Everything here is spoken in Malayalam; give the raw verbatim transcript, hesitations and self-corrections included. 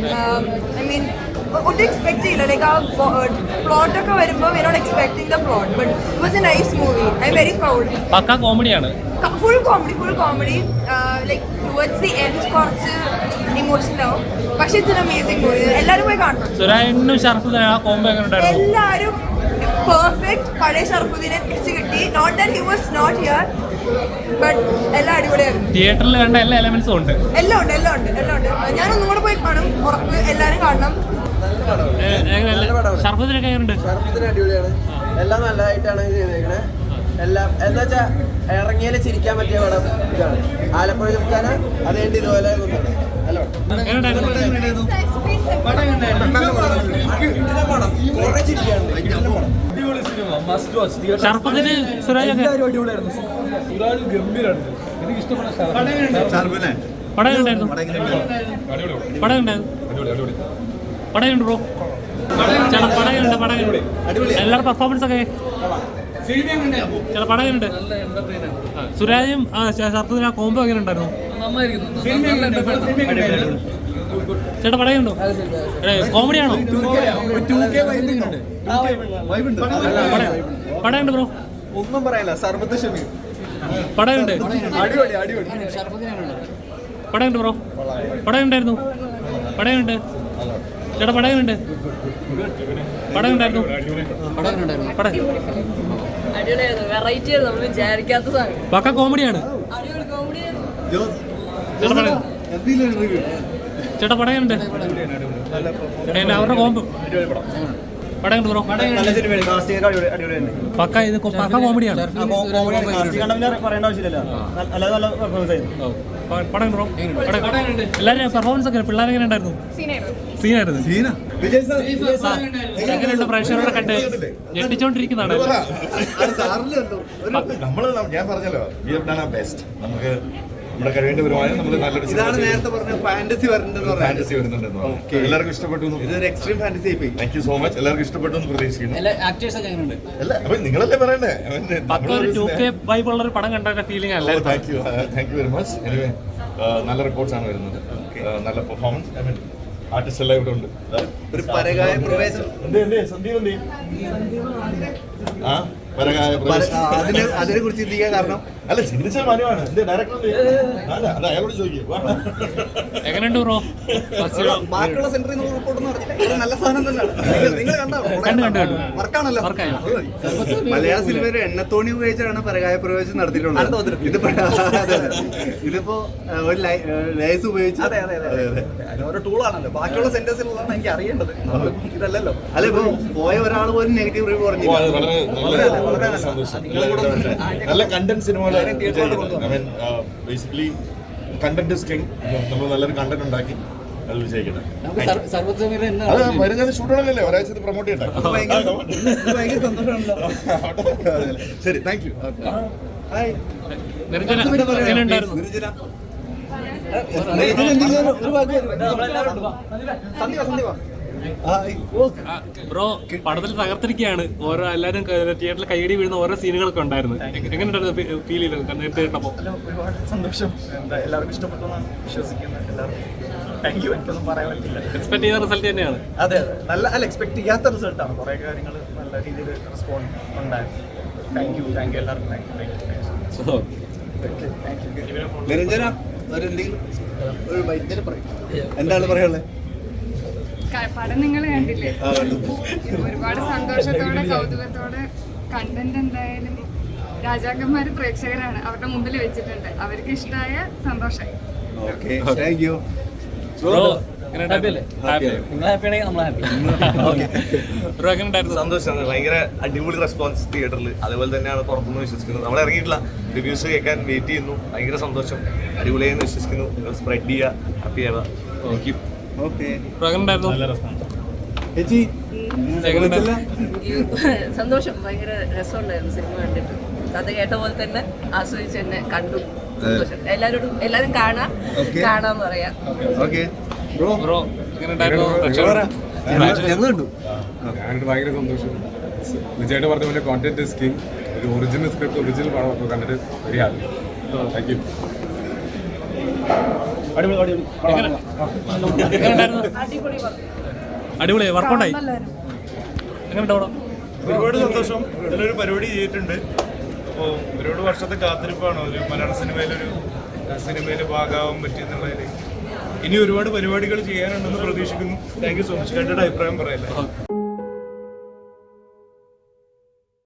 ഐ മീൻ ഒട്ടും എക്സ്പെക്ട് ചെയ്യില്ല ലൈക്ക് ആ പ്ലോട്ടൊക്കെ വരുമ്പോൾ we not expecting the plot but it was a nice movie I'm very proud. പക്കാ കോമഡിയാണ്. Full comedy full comedy like towards the end കുറച്ച് ഇമോഷണൽ ആവും, പക്ഷെ ഇറ്റ്സ് അമേസിംഗ് മൂവി. എല്ലാവരും പോയി കാണണം. സുരാജിനും ഷറഫുദ്ദീനും ആ കോംബോ എങ്ങനെ ഉണ്ടായിരുന്നു? എല്ലാവരും പെർഫെക്റ്റ്. പഴയ ഷറഫുദ്ദീനെ തിരിച്ചു കിട്ടി. Not that he was not here but എല്ലാം അടിപൊളിയായിരുന്നു. തിയേറ്ററിൽ കണ്ട എല്ലാ എലമെന്റ്സും ഉണ്ട്. എല്ലാം ഉണ്ട് എല്ലാം ഉണ്ട് എല്ലാം ഉണ്ട്. ഞാനൊന്നും കൂടെ പോയി കാണും, ഉറപ്പ്. എല്ലാവരും കാണണം. ഷറഫുദ്ദീനൊക്കെ എങ്ങനെയുണ്ട്? ഷറഫുദ്ദീൻ അടിപൊളിയാണ്. എല്ലാം നല്ലതായിട്ടാണ് ചെയ്തേക്കണേ. എല്ലാം എന്താ വെച്ചാൽ ഇറങ്ങിയാൽ ചിരിക്കാൻ പറ്റിയ പടം ഇതാണ്. ആലപ്പുഴ ചുമക്കാന അതേണ്ടി ഇതുപോലെ ഷറഫുദ്ദീന് സുരാജൊക്കെ പടം ഉണ്ടായിരുന്നു. പടം ഉണ്ടായിരുന്നു. പടം ഉണ്ട് ബ്രോ. ചില പടങ്ങളുണ്ട്. പടങ്ങളുണ്ട്. എല്ലാവരുടെ പെർഫോമൻസ് ഒക്കെ ചില പടങ്ങളുണ്ട്. സുരാജും ഷറഫുദ്ദീനും ആ കോംബോ എങ്ങനെ ഉണ്ടായിരുന്നു? ചേട്ടാ പടയുണ്ടോ? കോമഡിയാണോ? പടയുണ്ട് ബ്രോ. ഒന്നും പറയാനില്ല. സർബത്ത് ഷമീർ പടയുണ്ട്. അടിപൊളി അടിപൊളി. പടയുണ്ട് ബ്രോ. പടയുണ്ടായിരുന്നു. പടയുണ്ട്. ചേട്ടാ പടയുണ്ട്. പടയുണ്ടായിരുന്നു. പക്ക കോമഡിയാണ്. ചേട്ടാ പടയുണ്ട്. അവരുടെ കോമ്പ് പടയുണ്ട് ബ്രോ. പക്ക ഇത് പക്ക കോമഡിയാണ്. പടം ബ്രോ. എല്ലാവരും പെർഫോമൻസ് ഒക്കെ പിള്ളേർ എങ്ങനെ ഉണ്ടായിരുന്നു? സീനായിരുന്നു. എങ്ങനെയുണ്ട്? പ്രേക്ഷകരോടെ കണ്ട് ഞെട്ടിച്ചോണ്ടിരിക്കുന്നതാണ്. നമ്മള് ഞാൻ പറഞ്ഞല്ലോ ബെസ്റ്റ്. നമുക്ക് നമ്മുടെ കഴിവേണ്ട വരുമാനം നമ്മൾ നല്ലൊരു ഇതാണ് നേരത്തെ പറഞ്ഞ ഫാന്റസി ഫാന്റസി വരുന്നുണ്ടെന്ന് എല്ലാവർക്കും ഇഷ്ടപ്പെട്ടു. ഇതൊരു എക്സ്ട്രീം ഫാന്റസി ആയി. Thank you so much. എല്ലാവർക്കും ഇഷ്ടപ്പെട്ടു എന്ന് പ്രതീക്ഷിക്കുന്നു. അല്ല അപ്പൊ നിങ്ങളല്ലേ പറയണ്ടേ? ബൈബിളുള്ള ഒരു പടം കണ്ട ഫീലിംഗ് അല്ല. Thank you thank you very much. Anyway നല്ല റിപ്പോർട്ട്സ് ആണ് വരുന്നത്. നല്ല പെർഫോമൻസ്. ഐ മീൻ ആർട്ടിസ്റ്റ് എല്ലാം ഇവിടെ ഉണ്ട്. ഒരു പരകായ പ്രവേശം ആ പരകായ അതിനെ അതിനെ കുറിച്ച് ചിന്തിക്കാൻ കാരണം അല്ല ചിന്തിച്ച മാന്യമാണ്. ഡയറക്ടർ അത് അയാളോട് ചോദിക്കും. എങ്ങനെയുണ്ട് ബ്രോ? ബാക്കിയുള്ള സെന്ററിൽ നിന്ന് റിപ്പോർട്ടൊന്നും അറിഞ്ഞില്ല. നല്ല സാധനം തന്നെയാണ്. നിങ്ങൾ കണ്ടോ? വർക്കാണല്ലോ. മലയാള സിനിമയിൽ എണ്ണത്തോണി ഉപയോഗിച്ചാണ് പരകായ പ്രവേശം നടത്തിയിട്ടുള്ളത്. ഇതിപ്പോ ഇതിപ്പോ ഒരു ലേസ് ഉപയോഗിച്ച് ഓരോ ടൂളാണല്ലോ. ബാക്കിയുള്ള സെന്റേഴ്സിലുള്ളതാണ് എനിക്ക് അറിയേണ്ടത്. ഇതല്ലല്ലോ. അല്ല ഇപ്പൊ പോയ ഒരാൾ പോലും നെഗറ്റീവ് റിവ്യൂ പറഞ്ഞു. നല്ല കണ്ടന്റ് സിനിമ. Basically content is king. നമ്മൾ നല്ലൊരു കണ്ടന്റ് ഉണ്ടാക്കി അത് വിജയിക്കട്ടെ. അത് വരുന്നത് ഷൂട്ടാണല്ലേ, ഒരാഴ്ച പ്രൊമോട്ട് ചെയ്യട്ടെ. ഭയങ്കര സന്തോഷമാണല്ലോ. ശരി, താങ്ക് യു. ബ്രോ പടത്തിൽ തകർത്തിരിക്കുകയാണ്. ഓരോ എല്ലാവരും തിയേറ്ററിൽ കൈയടി വീഴുന്ന ഓരോ സീനുകളൊക്കെ ഉണ്ടായിരുന്നു. എങ്ങനെയുണ്ടായിരുന്നു ഫീൽ ചെയ്തത് നേരത്തെ കേട്ടപ്പോൾ? ഒരുപാട് സന്തോഷം. എന്താ എല്ലാവർക്കും ഇഷ്ടപ്പെട്ടു എന്നാണ് വിശ്വസിക്കുന്നത്. എല്ലാവർക്കും താങ്ക് യു. എനിക്കൊന്നും പറയാൻ പറ്റില്ല. എക്സ്പെക്ട് ചെയ്ത റിസൾട്ട് തന്നെയാണ്. അതെ അതെ നല്ല അല്ല എക്സ്പെക്ട് ചെയ്യാത്ത റിസൾട്ടാണ്. കുറേ കാര്യങ്ങൾ നല്ല രീതിയിൽ റെസ്പോണ്ട് ഉണ്ടായിരുന്നു. താങ്ക് യു താങ്ക് യു എല്ലാവർക്കും thank you thank you. Niranjana ഒരു വൈദ്യുതി പറയും. എന്താണ് പറയാനുള്ളത്? പടം നിങ്ങൾ കണ്ടില്ലേ? ഒരുപാട് സന്തോഷത്തോടെ കൗതുകത്തോടെ കണ്ടന്റ് എന്തായാലും രാജാക്കന്മാര് പ്രേക്ഷകരാണ് അവരുടെ മുമ്പിൽ വെച്ചിട്ടുണ്ട്. അവർക്ക് ഇഷ്ടമായ സന്തോഷമായി. സന്തോഷമാണ്. ഭയങ്കര അടിപൊളി റെസ്പോൺസ് തിയേറ്ററിൽ. അതേപോലെ തന്നെയാണ് പുറത്തുനിന്ന് വിശ്വസിക്കുന്നത്. നമ്മൾ ഇറങ്ങിയിട്ടില്ല, റിവ്യൂസ് കേൾക്കാൻ വെയിറ്റ് ചെയ്യുന്നു. ഭയങ്കര സന്തോഷം. അടിപൊളിയായെന്ന് വിശ്വസിക്കുന്നു. നിങ്ങൾ സ്പ്രെഡ് ചെയ്യുക, ഹാപ്പി ആവുക. Thank you. സന്തോഷം. ഭയങ്കര രസമുണ്ടായിരുന്നു സിനിമ കണ്ടിട്ട്. കഥ കേട്ട പോലെ തന്നെ ആസ്വദിച്ച് തന്നെ കണ്ടു. സന്തോഷം. എല്ലാവരോടും എല്ലാവരും കാണാം കാണാന്ന് പറയാം. ഞാനിട്ട് ഭയങ്കര സന്തോഷം. വിജയുടെ പറഞ്ഞ പോലെ കോണ്ടന്റ് ഇസ് കിങ്. ഒരു ഒറിജിനൽ സ്ക്രിപ്റ്റ് ഒറിജിനൽ പടം കണ്ടിട്ട് വെരി ഹാപ്പി. Thank you. എങ്ങനെയുണ്ടായിരുന്നു? അടിപൊളി വർക്കൗട്ടായി. എങ്ങനെയുണ്ടോ? ഒരുപാട് സന്തോഷം. നല്ലൊരു പരിപാടി ചെയ്തിട്ടുണ്ട്. അപ്പോൾ ഒരുപാട് വർഷത്തെ കാത്തിരിപ്പാണ് ഒരു മലയാള സിനിമയിലൊരു സിനിമയിൽ ഭാഗമാവാൻ പറ്റിയെന്നുള്ളതിൽ. ഇനി ഒരുപാട് പരിപാടികൾ ചെയ്യാനുണ്ടെന്ന് പ്രതീക്ഷിക്കുന്നു. Thank you so much. കണ്ടിട്ട് അഭിപ്രായം പറയല്ലേ.